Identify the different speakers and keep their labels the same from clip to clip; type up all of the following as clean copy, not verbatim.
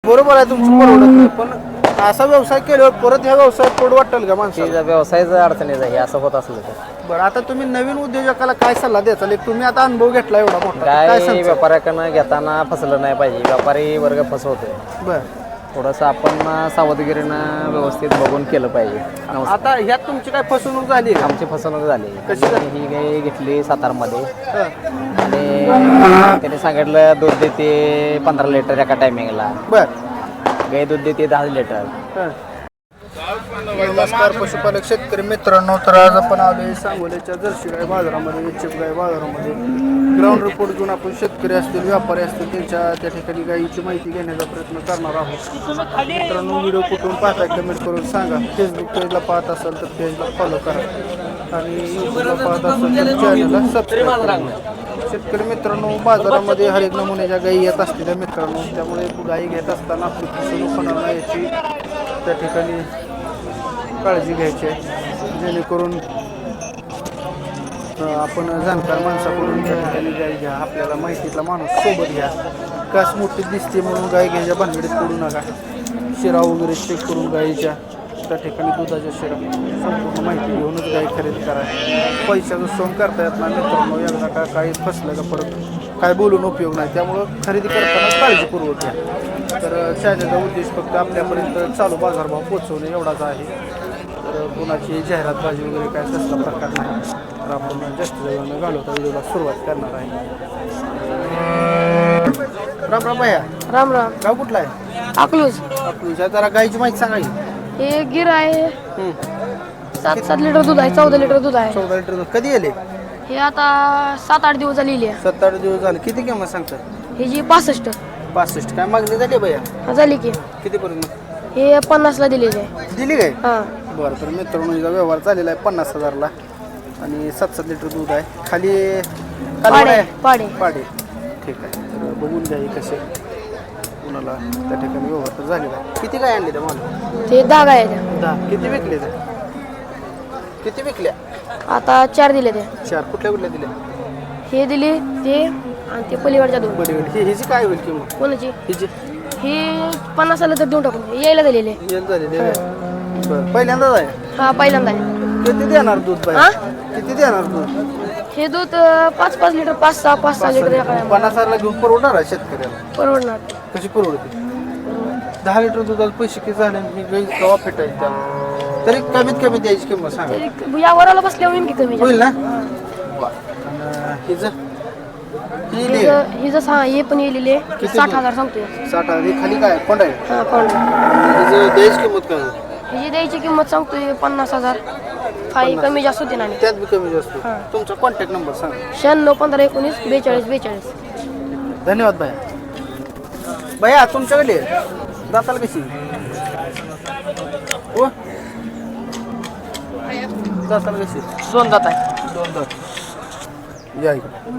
Speaker 1: बरोबर आहे तुमचं परवडत नाही, पण असा व्यवसाय केल्यावर परत ह्या व्यवसायात पडू वाटेल का माणसाला?
Speaker 2: व्यवसायाचं अडचणीचं आहे असं होत असलं तर.
Speaker 1: बरं, आता तुम्ही नवीन उद्योजकाला काय सल्ला द्याल? तुम्ही आता अनुभव घेतला एवढा मोठा, काय
Speaker 2: काय
Speaker 1: सांगता?
Speaker 2: व्यापाऱ्याकडनं घेताना फसलं नाही पाहिजे. व्यापारी वर्ग फसवतोय.
Speaker 1: बरं,
Speaker 2: थोडंसं आपण सावधगिरीनं व्यवस्थित बघून केलं पाहिजे.
Speaker 1: आता ह्यात तुमची काय फसवणूक झाली का?
Speaker 2: आमची फसवणूक झाली.
Speaker 1: कशी झाली?
Speaker 2: ही गाय घेतली सातारमध्ये
Speaker 1: हं.
Speaker 2: आणि त्याने सांगितलं दूध देते 15 लिटर एका टायमिंगला.
Speaker 1: बरं,
Speaker 2: गाय दूध देते 10 लिटर.
Speaker 1: हं. नमस्कार पशुपालक शेतकरी मित्रांनो, तर आज आपण आलोय सांगोल्याच्या जर्सी गाय बाजारामध्ये, एचएफ गाय बाजारामध्ये. ग्राउंड रिपोर्ट घेऊन आपण शेतकरी असतील, व्यापारी असतील, त्या ठिकाणी गायीची माहिती घेण्याचा प्रयत्न करणार आहोत. मित्रांनो, व्हिडिओ कुठून पाहताय कमेंट करून सांगा. फेसबुक पेजला पाहत असाल तर पेजला फॉलो करा आणि यूट्यूबला पाहत असाल तर चॅनलला सबस्क्राईब करा. शेतकरी मित्रांनो, बाजारामध्ये हर एक नमुन्याच्या गायी येत असतील मित्रांनो, त्यामुळे गायी घेत असताना आपली फसवणूक होणार नाही याची त्या ठिकाणी काळजी घ्यायची आहे, जेणेकरून आपण जाणकार माणसाकडून त्या ठिकाणी गाय घ्या. आपल्याला माहितीतला माणूस सोबत घ्या. कास मोठी दिसते म्हणून गाय घ्यायच्या भानगडीत पडू नका. शिरा वगैरे चेक करून गायीच्या त्या ठिकाणी दुधाच्या शिरा संपूर्ण माहिती घेऊनच गाय खरेदी करा. पैशाचं सोंग करता येत नाही मित्रांनो. एकदा का काही फसलं का परत काय बोलून उपयोग नाही. त्यामुळं खरेदी करताना काळजीपूर्वक घ्या. तर शाळेचा उद्देश फक्त आपल्यापर्यंत चालू बाजारभाव पोहोचवणे एवढाच आहे. तर कोणाची जाहिरातबाजी वगैरे काय तसला प्रकार नाही. तर आपण जास्त वेळानं घालवता व्हिडिओला सुरुवात करणार आहे. राम राम भैया.
Speaker 3: राम राम.
Speaker 1: गाव कुठला आहे?
Speaker 3: अकलूज.
Speaker 1: अकलूजच्या जरा गायची माहिती सांगा की.
Speaker 3: हे गिर आहे. 7 लिटर दूध आहे, 14 लिटर दूध आहे.
Speaker 1: 14 लिटर दूध. कधी येले?
Speaker 3: हे आता 7-8 दिवस झालेली आहे.
Speaker 1: 7-8 दिवस झाले. किती किंमत सांगतात?
Speaker 3: हे जी 65
Speaker 1: 65. काय मागणी झाली भैया?
Speaker 3: झाली की.
Speaker 1: कितीपर्यंत
Speaker 3: हे 50ला दिलेली आहे.
Speaker 1: दिली काय?
Speaker 3: हां.
Speaker 1: बरं, तर मित्रांनो हिचा व्यवहार झालेला आहे 50,000ला आणि 7-7 लिटर दूध आहे. खाली कालवड आहे?
Speaker 3: पाडे.
Speaker 1: पाडे. ठीक आहे. तर बघून घ्या हे कसे कुणाला त्या ठिकाणी व्यवहार तर झालेला आहे. किती काय आणले त्या मला?
Speaker 3: ते 10 गाय आहेत.
Speaker 1: 10. किती विकले ते? किती विकल्या?
Speaker 3: आता 4 दिले ते.
Speaker 1: 4. कुठल्या दिल्या?
Speaker 3: हे दिले ते आणि ते पलीकडच्या 2.
Speaker 1: बरी होईल. हिची काय होईल किंमत?
Speaker 3: कोणाची?
Speaker 1: हिची
Speaker 3: हे 50ला तर देऊन टाकून यायला दिलेले.
Speaker 1: येईल झालेली आहे. बरं, पहिल्यांदाच आहे.
Speaker 3: हा, पहिल्यांदा आहे.
Speaker 1: किती देणार दूध बाई?
Speaker 3: हा?
Speaker 1: किती देणार दूध?
Speaker 3: हे दूध 5-5 लिटर, 5-6 लिटर या काय
Speaker 1: 50,000ला घेऊन परवडणार आहे शेतकऱ्याला?
Speaker 3: परवडणार.
Speaker 1: कशी परवडते? 10 लिटर दुधाला पैसे किती झाले? मी गाई कवा फेटायची त्याला? तरी कमीत कमी द्यायची किंमत सांगा.
Speaker 3: तरी या वराला बसल्यावर येईन की कमी.
Speaker 1: होईल ना? हिचं
Speaker 3: ही जसं हा हे पण येलेले 60,000 सांगतोय.
Speaker 1: 60,000. खाली काय कोण आहे?
Speaker 3: हा, पण
Speaker 1: हिचं द्यायची किंमत काय?
Speaker 3: ह्याची द्यायची किंमत सांगतोय 50,000. काही कमी जास्त होते ना.
Speaker 1: त्यात बी कमी जास्त. तुमचा कॉन्टॅक्ट नंबर सांगा.
Speaker 3: 96 15 19 42 42.
Speaker 1: धन्यवाद भैया. भैया तुमच्याकडे दाताल कशी हो? दाताल कशी?
Speaker 3: 2 दात आहे.
Speaker 1: 2 दात. या इकडे.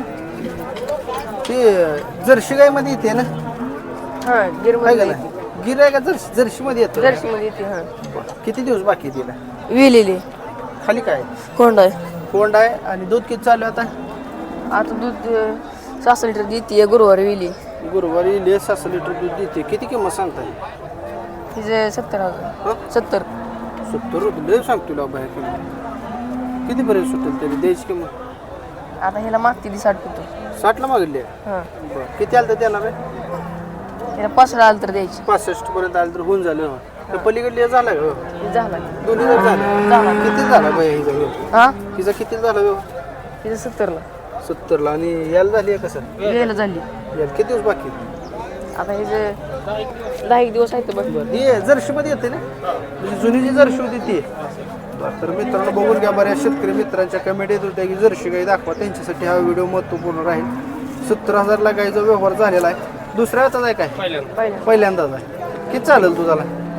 Speaker 1: ते जर्सी गायमध्ये येते ना?
Speaker 3: हा, गिर
Speaker 1: आहे का नाही? गिर आहे का जर्सीमध्ये येतं?
Speaker 3: जर्सी मध्ये येते. हा,
Speaker 1: किती दिवस बाकी आहे तिला?
Speaker 3: विलेली
Speaker 1: खाली काय
Speaker 3: कोंड आहे.
Speaker 1: कोंड आहे. आणि दूध किती चालू आहे आता?
Speaker 3: आता दूध 6 लिटर देते. गुरुवारी विली.
Speaker 1: गुरुवारी 6 लिटर दूध देते. किती किंमत सांगताय?
Speaker 3: तिचे 70,000. 70.
Speaker 1: 70 लय सांग तुला बाहेर किंमत. कितीपर्यंत सुटेल तरी द्यायची किंमत?
Speaker 3: आता ह्याला मागते ती 60 होतो.
Speaker 1: 60ला मागली आहे.
Speaker 3: हा,
Speaker 1: बरं, किती आलं तर देणार आहे?
Speaker 3: त्याला 5ला आलं तर द्यायची.
Speaker 1: 65 पर्यंत आलं तर होऊन झालं. तर पलीकडले झाला का?
Speaker 3: झाला.
Speaker 1: दोन्ही जर झालं. किती झाला बाई हिचा व्यवहार?
Speaker 3: हा,
Speaker 1: हिचा किती झाला व्यवहार?
Speaker 3: तिचं 70ला.
Speaker 1: 70ला. आणि याला झाली आहे कसं?
Speaker 3: यायला झाली.
Speaker 1: याला किती दिवस बाकी?
Speaker 3: आता ह्याचे 10 दिवस आहेत. बस.
Speaker 1: बरं, ही जर्शीमध्ये येते ना? म्हणजे जुनी जी जर्शी होती ती. बरं, तर मित्रांनो बघून घ्या. बऱ्याच शेतकरी मित्रांच्या कमेंट येत होत्या की जर्शी गाई दाखवा. त्यांच्यासाठी हा व्हिडिओ महत्त्वपूर्ण राहील. 70,000ला गाईचा व्यवहार झालेला आहे. दुसऱ्या वेळाच आहे काय? पहिल्यांदाच आहे. किती चालेल तुझाला?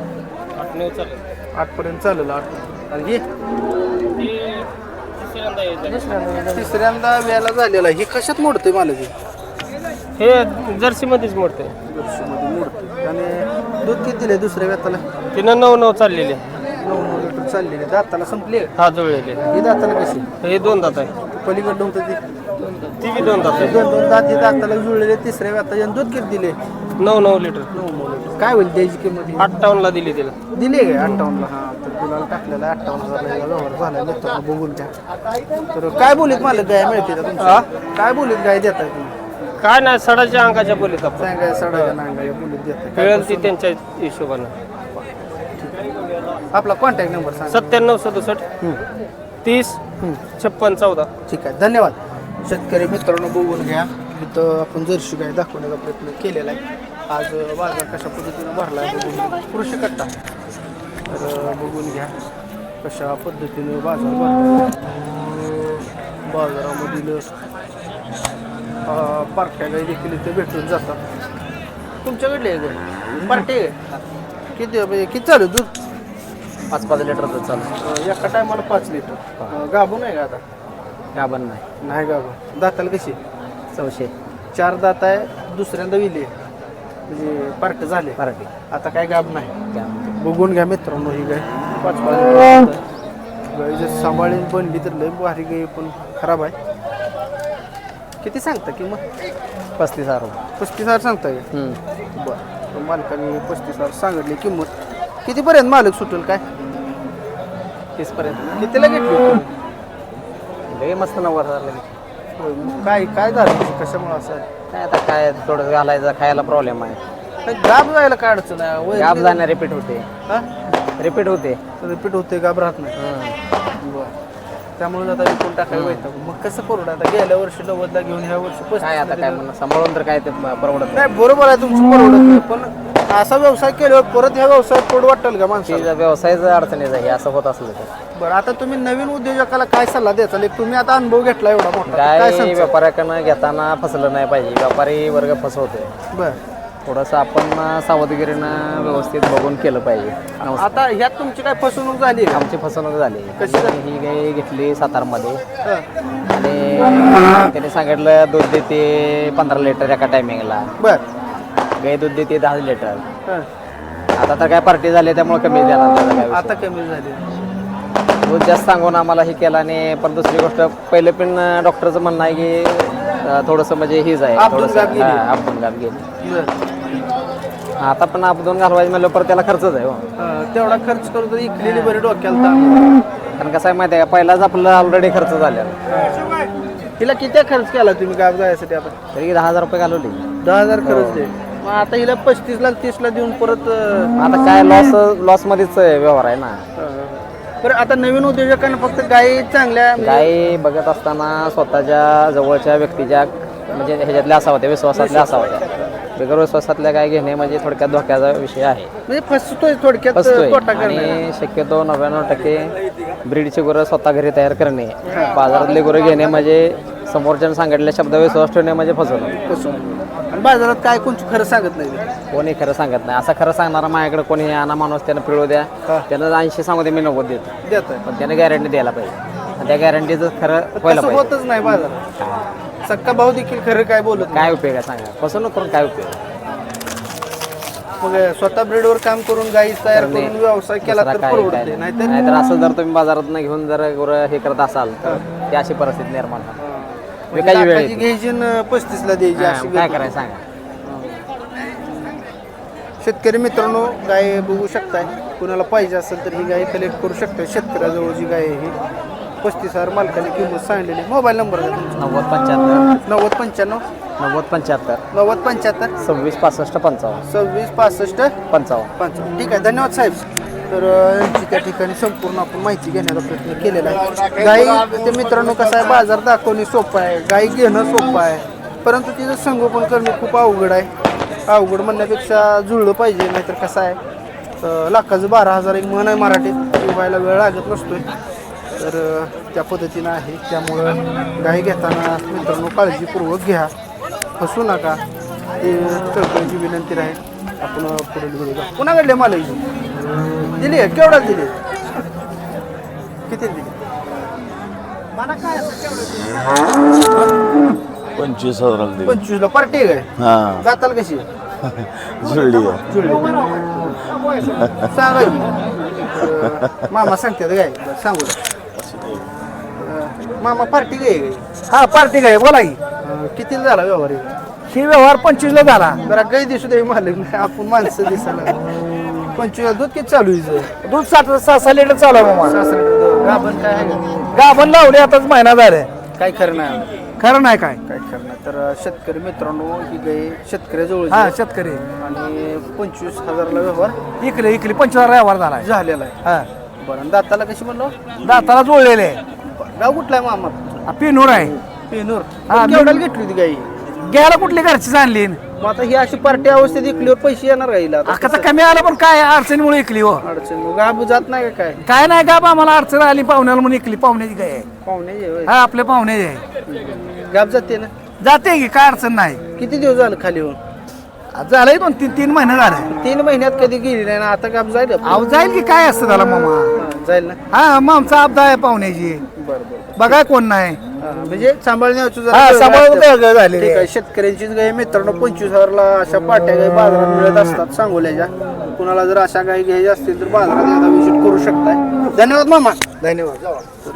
Speaker 1: 8 पर्यंत चालेल. 8. आणि ही तिसऱ्यांदा व्याला झालेला आहे. ही कशात मोडते मला ती?
Speaker 2: हे जर्सीमध्येच मोडते.
Speaker 1: जर्शीमध्ये मोडते. आणि दूध किती दिले दुसऱ्या व्याताला?
Speaker 2: तिनं 9 चाललेले.
Speaker 1: 9 लिटर चाललेले. दाताला संपले?
Speaker 2: हा, जुळलेले.
Speaker 1: ही दाताला कशी?
Speaker 2: हे 2 दात आहे.
Speaker 1: पलीकडं होतं
Speaker 2: ती बी 2 दात आहे.
Speaker 1: 2 दात. ही दाताला जुळलेले. तिसऱ्या व्याता दूध किती दिले?
Speaker 4: 9 लिटर
Speaker 1: 9 लिटर काय होईल त्याची किंमत
Speaker 4: 58ला दिली तिला.
Speaker 1: दिली आहे 58ला हा तर गुलाल टाकलेला 58,000 व्यवहार झाला मित्रांनो बघून घ्या तर काय बोलीत मला गाय मिळते का तुमच्या काय बोलीत गाय देताय तुम्ही
Speaker 4: काय नाही सडाच्या अंगाच्या बोलीत आपण
Speaker 1: सांगाय सडाच्या नांगाय बोलीत देताय
Speaker 4: मिळेल ती त्यांच्या हिशोबानं.
Speaker 1: आपला कॉन्टॅक्ट नंबर सांगा
Speaker 4: 9767 30 56 14.
Speaker 1: ठीक आहे धन्यवाद शेतकरी मित्रांनो बघून घ्या इथं आपण जर्शी गाय दाखवण्याचा प्रयत्न केलेला आहे आज बाजार कशा पद्धतीनं भरला आहे बघून कृषी कट्टा तर बघून घ्या कशा पद्धतीनं बाजार भरला बाजारामधील पार्ट्या गाई देखील इथे भेटून जातात तुमच्याकडले आहे गाय पार्टी आहे किती म्हणजे किती चालू दूध
Speaker 2: 5-5 लिटर दूध चालू.
Speaker 1: एका टायमाला 5 लिटर गाभून आहे का आता
Speaker 2: गाभण नाही.
Speaker 1: नाही गाभून दाताला कशी
Speaker 2: 400
Speaker 1: 4 दात आहे दुसऱ्यांदा विली म्हणजे पार्ट झाले
Speaker 2: पार्टी.
Speaker 1: आता काय गाभ नाही
Speaker 2: त्यामध्ये
Speaker 1: बघून घ्या मित्रांनो ही गाय 5 गाय जर सांभाळून बनली तर लय भारी गाय पण खराब आहे किती सांगता किंमत
Speaker 2: 35,000 रुपये.
Speaker 1: 35,000 सांगता बरं मालकाने 35,000 सांगितली किंमत कितीपर्यंत मालक सुटेल काय
Speaker 2: 30 पर्यंत
Speaker 1: कितीला घेतली तुम्ही?
Speaker 2: लय मस्त 90,000 लागेल.
Speaker 1: होय, मग काय झालं कशामुळे असं आहे?
Speaker 2: काय आता काय थोडं घालायचं खायला प्रॉब्लेम आहे.
Speaker 1: नाही, गाभ जायला काय अडचण आहे वय
Speaker 2: गाब जाणं रिपीट होते
Speaker 1: हा
Speaker 2: रिपीट होते.
Speaker 1: रिपीट होते गाभ राहत नाही बरं त्यामुळे आता विकून टाकायला व्हायचं मग कसं करू आता गेल्या वर्षी 90ला घेऊन ह्या वर्षी 35
Speaker 2: काय आता काय म्हणणं सांभाळून तर काय ते परवडत नाही.
Speaker 1: नाही बरोबर आहे तुमचं परवडत नाही पण असा व्यवसाय केल्यावर परत ह्या व्यवसायात पोट वाटेल का माणसाला
Speaker 2: की व्यवसायाचं अडचणीचं आहे असं होत असलं तर.
Speaker 1: बरं आता तुम्ही नवीन उद्योजकाला काय सल्ला द्याचा एक तुम्ही आता अनुभव घेतला एवढा मोठा काय
Speaker 2: काय
Speaker 1: सांगता
Speaker 2: व्यापाऱ्याकडनं घेताना फसलं नाही पाहिजे. व्यापारी वर्ग फसवतोय.
Speaker 1: बरं
Speaker 2: थोडंसं आपण सावधगिरीनं व्यवस्थित बघून केलं पाहिजे.
Speaker 1: आता ह्यात तुमची काय फसवणूक झाली का?
Speaker 2: आमची फसवणूक झाली.
Speaker 1: कशी झाली?
Speaker 2: ही गाय घेतली सातारमध्ये
Speaker 1: हं.
Speaker 2: आणि त्याने सांगितलं दूध देते 15 लिटर एका टायमिंगला.
Speaker 1: बरं
Speaker 2: गाय दूध देते 10 लिटर.
Speaker 1: हं.
Speaker 2: आता तर काय पार्टी झाली त्यामुळे कमी देणार त्याचा काय
Speaker 1: आता
Speaker 2: विषय.
Speaker 1: कमी झाली
Speaker 2: दूध जास्त सांगून आम्हाला हे केलं आणि पण दुसरी गोष्ट पहिले पण डॉक्टरचं म्हणणं आहे की थोडंसं म्हणजे हीच आहे
Speaker 1: आपदून
Speaker 2: थोडंसं
Speaker 1: गाभ गेली.
Speaker 2: अपघात गाभ गेली.
Speaker 1: बरं
Speaker 2: आता पण अपघात घालवायचं म्हणलं परत त्याला खर्चच आहे हो.
Speaker 1: तेवढा खर्च करू तर इकलेली बरी डोक्याला ताण.
Speaker 2: कारण कसं आहे माहिती आहे का पहिलाच आपलं ऑलरेडी खर्च झालेला.
Speaker 1: हिला किती खर्च केला तुम्ही गाव जायसाठी आता
Speaker 2: तरी 10,000 रुपये घालवले.
Speaker 1: 10,000 खर्च दे मग आता हिला 35 ला 30 ला देऊन परत
Speaker 2: आता काय लॉस मध्येच व्यवहार आहे ना.
Speaker 1: बरं आता नवीन उद्योजकांना फक्त गाई चांगल्या
Speaker 2: गाय बघत असताना स्वतःच्या जवळच्या व्यक्तीच्या म्हणजे ह्याच्यातल्या असा होत्या विश्वासातल्या असा होत्या. बिगर विश्वासातल्या गाय घेणे म्हणजे थोडक्यात धोक्याचा विषय आहे.
Speaker 1: म्हणजे फसतोय थोडक्यात
Speaker 2: फसतोय.
Speaker 1: तोटा करणे
Speaker 2: आणि शक्यतो 99% ब्रीडची गुरं स्वतः घरी तयार करणे बाजारातले गुरं घेणे म्हणजे समोरच्यानं सांगितलेल्या शब्द विश्वास ठेवणे म्हणजे फसवणूक.
Speaker 1: आणि बाजारात काय कोणची खरं सांगत नाही
Speaker 2: कोणी खरं सांगत नाही. असं खरं सांगणारा माझ्याकडे कोणी आणा माणूस त्यानं पिळू द्या त्यानं 80 सांगू दे मी 90 देतो
Speaker 1: देत आहे
Speaker 2: पण त्याने गॅरंटी द्यायला पाहिजे. आणि त्या गॅरंटीचं खरं व्हायला
Speaker 1: तसं
Speaker 2: पाहिजे.
Speaker 1: होतच नाही बाजारात सक्का भाऊ देखील खरं काय बोलत नाही.
Speaker 2: काय उपयोग आहे सांगा. फसवणूक करून काय उपयोग.
Speaker 1: मग स्वतः ब्रीडवर काम करून गाई तयार करून व्यवसाय केला
Speaker 2: दुसरा
Speaker 1: तर
Speaker 2: काय
Speaker 1: परवडते
Speaker 2: काय
Speaker 1: नाहीतर
Speaker 2: नाहीतर असं जर तुम्ही बाजारात घेऊन जर गुरं हे करत असाल तर ती अशी परिस्थिती निर्माण होणार. विकायची वेळ
Speaker 1: लाखाची
Speaker 2: येते.
Speaker 1: घ्यायची न 35 ला द्यायची अशी
Speaker 2: काय
Speaker 1: गत.
Speaker 2: करायचं सांगा.
Speaker 1: शेतकरी मित्रांनो गाय बघू शकताय कुणाला पाहिजे असेल तर ही गाय कलेक्ट करू शकताय. शेतकऱ्याजवळ जी गाय आहे ही 35,000 मालकाने किंमत सांगलेली. मोबाईल नंबर द्या तुमचा
Speaker 2: 90-75
Speaker 1: 90-95
Speaker 2: 90-75
Speaker 1: 90-75
Speaker 2: 26-65 55
Speaker 1: 26-65
Speaker 2: 55.
Speaker 1: 55. ठीक आहे धन्यवाद साहेब. तर यांची त्या ठिकाणी संपूर्ण आपण माहिती घेण्याचा प्रयत्न केलेला आहे. गाई ते मित्रांनो कसं आहे बाजार दाखवणे सोपं आहे गाई घेणं सोपं आहे परंतु तिचं संगोपन करणं खूप अवघड आहे. अवघड म्हणण्यापेक्षा जुळलं पाहिजे नाहीतर कसं आहे लाखाचं 12,000 एक म्हण आहे मराठीत ती व्हायला वेळ लागत नसतोय. तर त्या पद्धतीनं आहे त्यामुळं गाई घेताना मित्रांनो काळजीपूर्वक घ्या फसू नका ते कळकळीची विनंती राहील. आपण पुढील व्हिडिओ पुन्हा घडले मला दिली आहे केवढा दिली किती दिली
Speaker 5: 25,000 दिली.
Speaker 1: 25 ला पार्टी आहे काय
Speaker 5: हा
Speaker 1: जाताल कशी
Speaker 5: जुळली आहे.
Speaker 1: जुळली सांगा की. मामा सांगतात काय बरं, सांगू द्या. मामा पार्टी काय
Speaker 6: हा पार्टी काय बोला की
Speaker 1: किती झाला व्यवहार हे?
Speaker 6: ही व्यवहार 25ला झाला.
Speaker 1: जरा गाई दिसू दे मालक नाही आपण माणसं दिसायला 25 दूध किती चालू आहे हिचं?
Speaker 6: दूध 6 लिटर चालू आहे मामा.
Speaker 1: सासरे गाभण काय आहे का?
Speaker 6: गाभण लावली आताच महिना झालाय.
Speaker 1: काय खरं नाही
Speaker 6: खरं नाही काय.
Speaker 1: काय खरं नाही. तर शेतकरी मित्रांनो ही गाई शेतकऱ्याजवळ
Speaker 6: हा शेतकरी
Speaker 1: आणि 25,000ला व्यवहार
Speaker 6: इकले 25 व्यवहार झालाय.
Speaker 1: झालेला आहे.
Speaker 6: हा
Speaker 1: बरं दाताला कशी म्हणलो?
Speaker 6: दाताला जोडलेले.
Speaker 1: गाव कुठला आहे मामा?
Speaker 6: पिनूर आहे.
Speaker 1: पेनूर.
Speaker 6: हा,
Speaker 1: केवढ्याला घेतली होती गाई?
Speaker 6: घ्यायला कुठली घरचीच आणली.
Speaker 1: मग आता ही अशी पार्टी अवस्थेत इकलीवर पैसे येणार गाईला आता
Speaker 6: आता कमी आलं पण काय अडचणीमुळे इकली हो.
Speaker 1: अडचण मग गाब जात नाही का काय?
Speaker 6: काय नाही का आम्हाला अडचण आली पाहुण्याला म्हणून इकली. पाहुण्याची काय आहे.
Speaker 1: पाहुणे होय.
Speaker 6: हा आपल्या पाहुण्याची आहे.
Speaker 1: गाब जाते ना?
Speaker 6: जाते की काय अडचण नाही.
Speaker 1: किती दिवस झालं खाली होऊन?
Speaker 6: झालंय 2-3 महिने झाले.
Speaker 1: 3 महिन्यात कधी गेली नाही ना आता गाब जाईल
Speaker 6: अहो जाईल की काय असतं त्याला मामा.
Speaker 1: जाईल ना?
Speaker 6: हा मग आमचा आपदा आहे पाहुण्याची.
Speaker 1: बरं बरं.
Speaker 6: बघा कोण नाही.
Speaker 1: म्हणजे सांभाळण्याची
Speaker 6: हा सांभाळून झाले.
Speaker 1: ठीक आहे. शेतकऱ्यांचीच गाय मित्रांनो 25,000ला अशा पाट्या गाई बाजारात मिळत असतात सांगोल्याच्या. कुणाला जर अशा गाई घ्यायच्या असतील तर बाजारात एकदा विजिट करू शकताय. धन्यवाद मामा.
Speaker 6: धन्यवाद.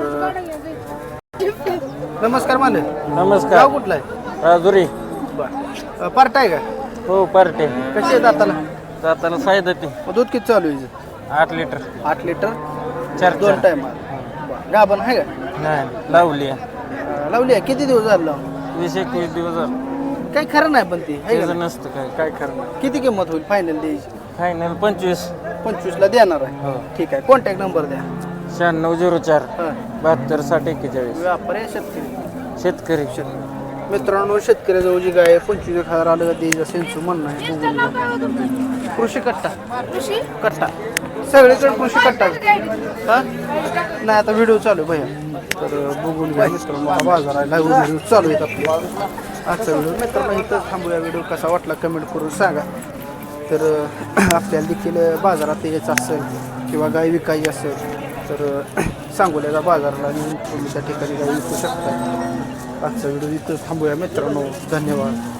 Speaker 1: नमस्कार मालक.
Speaker 4: नमस्कार.
Speaker 1: गाव कुठला आहे?
Speaker 4: राजुरी.
Speaker 1: बरं पार्ट आहे का?
Speaker 4: हो पार्टे.
Speaker 1: कशी आहे दाताला?
Speaker 4: जाताना सायदा ते
Speaker 1: मग दूध किती चालू आहे हिचं?
Speaker 4: 8 लिटर.
Speaker 1: 8 लिटर
Speaker 4: 4
Speaker 1: टाइम गाभण आहे का?
Speaker 4: नाही लावली.
Speaker 1: लावली आहे. किती दिवस झाले लावून?
Speaker 4: 20-21 दिवस झाले.
Speaker 1: काही खरं नाही पण ती आहे का
Speaker 4: त्याचं
Speaker 1: नाही?
Speaker 4: नसतं काय.
Speaker 1: काय खरं नाही. किती किंमत होईल फायनल द्यायची?
Speaker 4: फायनल 25.
Speaker 1: 25ला देणार आहे. ठीक आहे. कॉन्टॅक्ट नंबर द्या.
Speaker 4: 9604
Speaker 1: हां
Speaker 4: 72 60 41.
Speaker 1: व्यापारी आहे शेतकरी?
Speaker 4: शेतकरी.
Speaker 1: मित्रांनो शेतकऱ्याजवळ जी गाय आहे 25,000 आलं द्यायचं सेन्सू म्हणणं आहे. बघून घ्या. कृषी कट्टा कट्टा सगळीकडे कृषी कट्टा हा नाही आता व्हिडिओ चालू आहे भैया. तर बघून घ्या मित्रांनो. हा बाजार आहे लाईव्ह व्हिडिओ चालू आहेत आपले. आजचा व्हिडिओ मित्रांनो इथं थांबूया. व्हिडिओ कसा वाटला कमेंट करून सांगा. तर आपल्याला देखील बाजारात यायचं असेल किंवा गाय विकायची असेल तर सांगोल्याचा बाजारला येऊन तुम्ही त्या ठिकाणी गाय विकू शकता. आजचा व्हिडिओ इथं थांबूया मित्रांनो. धन्यवाद.